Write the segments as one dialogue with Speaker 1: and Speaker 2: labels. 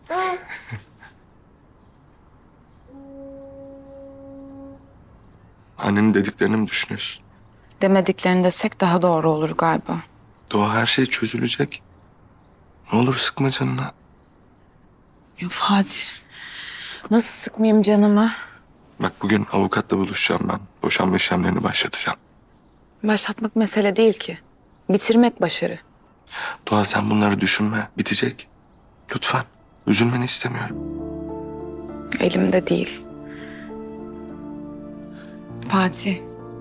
Speaker 1: Annenin dediklerini mi düşünüyorsun?
Speaker 2: Demediklerini desek daha doğru olur galiba.
Speaker 1: Doğa, her şey çözülecek. Ne olur sıkma canına.
Speaker 2: Ya Fatih, nasıl sıkmayayım canımı?
Speaker 1: Bak, bugün avukatla buluşacağım ben. Boşanma işlemlerini başlatacağım.
Speaker 2: Başlatmak mesele değil ki. Bitirmek başarı.
Speaker 1: Doğa, sen bunları düşünme. Bitecek. Lütfen. Üzülmeni istemiyorum.
Speaker 2: Elimde değil. Fatih.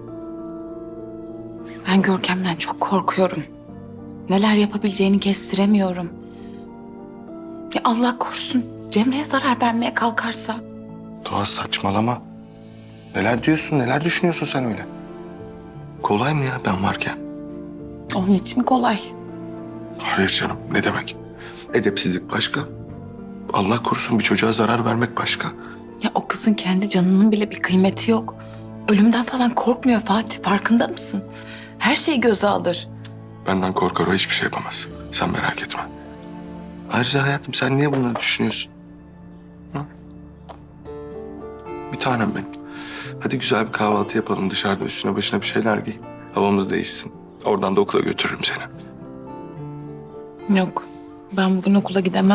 Speaker 2: Ben Görkem'den çok korkuyorum. Neler yapabileceğini kestiremiyorum. Ya Allah korusun Cemre'ye zarar vermeye kalkarsa.
Speaker 1: Doğa, saçmalama. Neler diyorsun, neler düşünüyorsun sen öyle? Kolay mı ya ben varken?
Speaker 2: Onun için kolay.
Speaker 1: Hayır canım, ne demek? Edepsizlik başka. Allah korusun bir çocuğa zarar vermek başka.
Speaker 2: Ya o kızın kendi canının bile bir kıymeti yok. Ölümden falan korkmuyor Fatih, farkında mısın? Her şeyi göze alır.
Speaker 1: Benden korkar, o hiçbir şey yapamaz. Sen merak etme. Ayrıca hayatım, sen niye bunları düşünüyorsun? Hı? Bir tanem benim. Hadi güzel bir kahvaltı yapalım dışarıda, üstüne başına bir şeyler giy. Havamız değişsin. Oradan da okula götürürüm seni.
Speaker 2: Yok, ben bugün okula gidemem.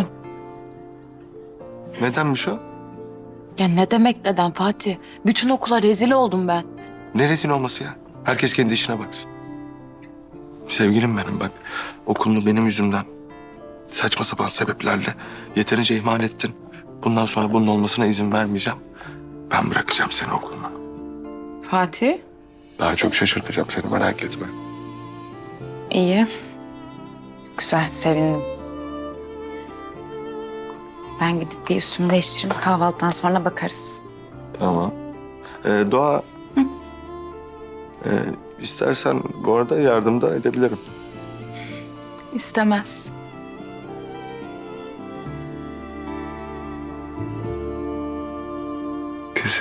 Speaker 1: Nedenmiş o?
Speaker 2: Ya ne demek neden Fatih? Bütün okula rezil oldum ben.
Speaker 1: Ne rezil olması ya? Herkes kendi işine baksın. Sevgilim benim, bak. Okulunu benim yüzümden saçma sapan sebeplerle yeterince ihmal ettin. Bundan sonra bunun olmasına izin vermeyeceğim. Ben bırakacağım seni okuluna.
Speaker 2: Fatih?
Speaker 1: Daha çok şaşırtacağım seni, merak etme.
Speaker 2: İyi. Güzel, sevindim. Ben gidip bir üstümü değiştireyim. Kahvaltıdan sonra bakarız.
Speaker 1: Tamam. Doğa...
Speaker 2: Hı?
Speaker 1: İstersen bu arada yardım da edebilirim.
Speaker 2: İstemez.
Speaker 1: Kızım.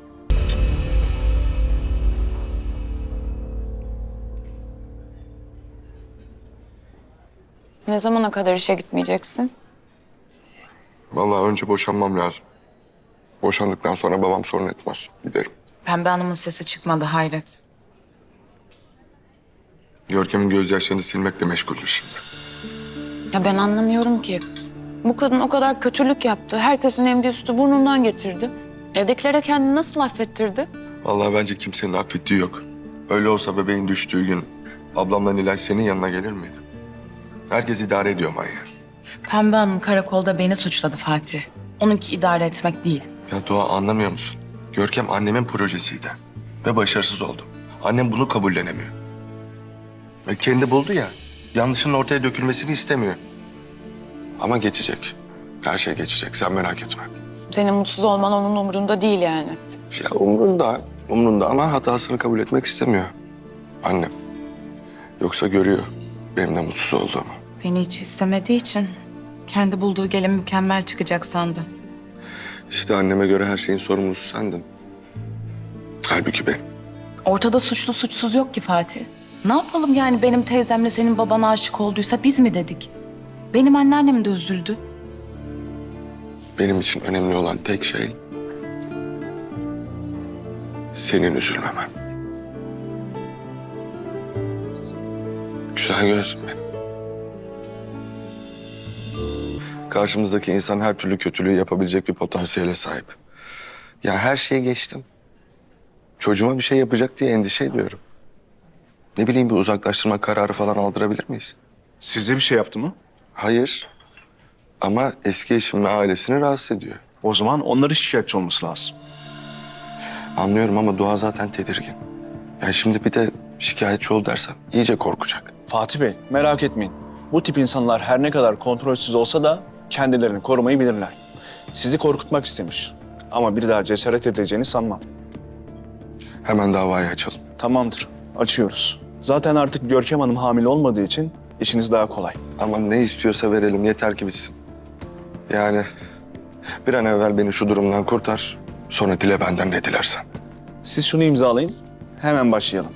Speaker 2: Ne zamana kadar işe gitmeyeceksin?
Speaker 1: Vallahi önce boşanmam lazım. Boşandıktan sonra babam sorun etmez. Giderim.
Speaker 2: Pembe Hanım'ın sesi çıkmadı, hayret.
Speaker 1: Görkem'in gözyaşlarını silmekle meşguldür şimdi.
Speaker 2: Ya ben anlamıyorum ki. Bu kadın o kadar kötülük yaptı. Herkesin emdiği sütü burnundan getirdi. Evdekilere kendini nasıl affettirdi?
Speaker 1: Vallahi bence kimsenin affettiği yok. Öyle olsa bebeğin düştüğü gün ablamla Nilay senin yanına gelir miydi? Herkes idare ediyor manyağı.
Speaker 2: Pembe Hanım karakolda beni suçladı Fatih. Onunki idare etmek değil.
Speaker 1: Ya Doğa, anlamıyor musun? Görkem annemin projesiydi ve başarısız oldu. Annem bunu kabullenemiyor. Ve kendi buldu ya, yanlışının ortaya dökülmesini istemiyor. Ama geçecek. Her şey geçecek, sen merak etme.
Speaker 2: Senin mutsuz olman onun umurunda değil yani.
Speaker 1: Ya umrunda ama hatasını kabul etmek istemiyor. Annem. Yoksa görüyor benim de mutsuz olduğumu.
Speaker 2: Beni hiç istemediği için kendi bulduğu gelin mükemmel çıkacak sandı.
Speaker 1: İşte anneme göre her şeyin sorumlusu sendin. Halbuki ben.
Speaker 2: Ortada suçlu suçsuz yok ki Fatih. Ne yapalım yani benim teyzemle senin babana aşık olduysa biz mi dedik? Benim anneannem de üzüldü.
Speaker 1: Benim için önemli olan tek şey senin üzülmemen. Güzel gözlüm benim. Karşımızdaki insan her türlü kötülüğü yapabilecek bir potansiyele sahip. Ya her şeye geçtim. Çocuğuma bir şey yapacak diye endişe ediyorum. Ne bileyim, bir uzaklaştırma kararı falan aldırabilir miyiz?
Speaker 3: Size bir şey yaptı mı?
Speaker 1: Hayır. Ama eski eşim ve ailesini rahatsız ediyor.
Speaker 3: O zaman onların şikayetçi olması lazım.
Speaker 1: Anlıyorum ama Doğa zaten tedirgin. Ya şimdi bir de şikayetçi ol dersem iyice korkacak.
Speaker 3: Fatih Bey, merak etmeyin. Bu tip insanlar her ne kadar kontrolsüz olsa da kendilerini korumayı bilirler. Sizi korkutmak istemiş. Ama bir daha cesaret edeceğini sanmam.
Speaker 1: Hemen davayı açalım.
Speaker 3: Tamamdır, açıyoruz. Zaten artık Görkem Hanım hamile olmadığı için işiniz daha kolay.
Speaker 1: Ama ne istiyorsa verelim, yeter ki bitsin. Yani bir an evvel beni şu durumdan kurtar. Sonra dile benden ne dilersen.
Speaker 3: Siz şunu imzalayın, hemen başlayalım.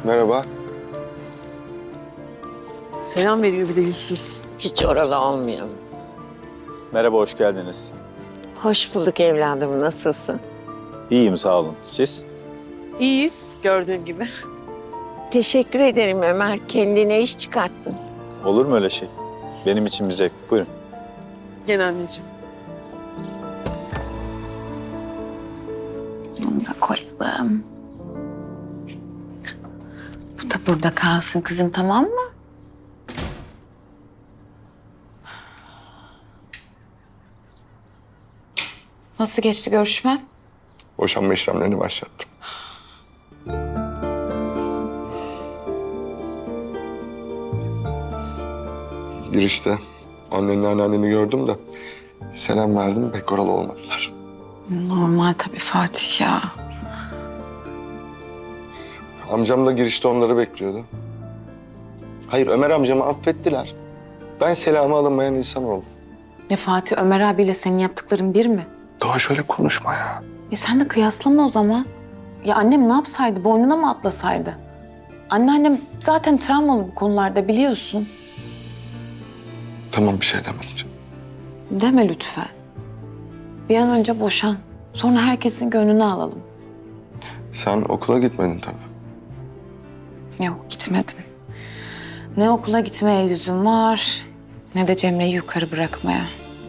Speaker 1: Merhaba.
Speaker 4: Selam veriyor bir de yüzsüz.
Speaker 5: Hiç oralı olmayalım.
Speaker 3: Merhaba, hoş geldiniz.
Speaker 5: Hoş bulduk evladım, nasılsın?
Speaker 3: İyiyim, sağ olun. Siz?
Speaker 4: İyiyiz gördüğün gibi.
Speaker 5: Teşekkür ederim Ömer, kendine iş çıkarttın.
Speaker 3: Olur mu öyle şey? Benim için bir zevk. Buyurun.
Speaker 4: Gel anneciğim.
Speaker 2: Bunu da koyalım. Bu da burada kalsın kızım, tamam mı? Nasıl geçti görüşme?
Speaker 1: Boşanma işlemlerini başlattım. Girişte annenle anneanneni gördüm de selam verdim, pek oralı olmadılar.
Speaker 2: Normal tabii Fatih ya.
Speaker 1: Amcam da girişte onları bekliyordu. Hayır, Ömer amcamı affettiler. Ben selamı alınmayan insan oldum.
Speaker 2: Ya Fatih, Ömer abiyle senin yaptıkların bir mi?
Speaker 1: Doğa şöyle konuşma ya.
Speaker 2: Sen de kıyaslama o zaman. Ya annem ne yapsaydı, boynuna mı atlasaydı? Anneannem zaten travmalı bu konularda, biliyorsun.
Speaker 1: Tamam, bir şey demedim.
Speaker 2: Deme lütfen. Bir an önce boşan. Sonra herkesin gönlünü alalım.
Speaker 1: Sen okula gitmedin tabii.
Speaker 2: Yok, gitmedim. Ne okula gitmeye yüzüm var, ne de Cemre'yi yukarı bırakmaya.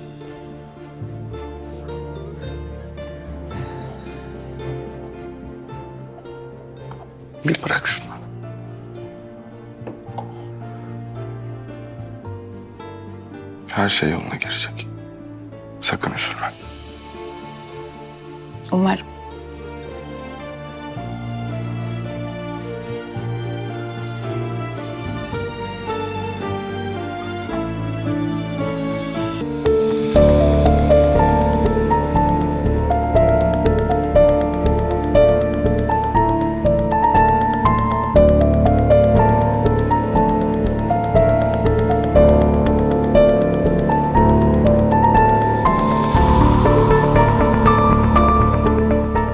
Speaker 1: Bir bırak şunu. Her şey yoluna girecek. Sakın üzülme.
Speaker 2: Umarım.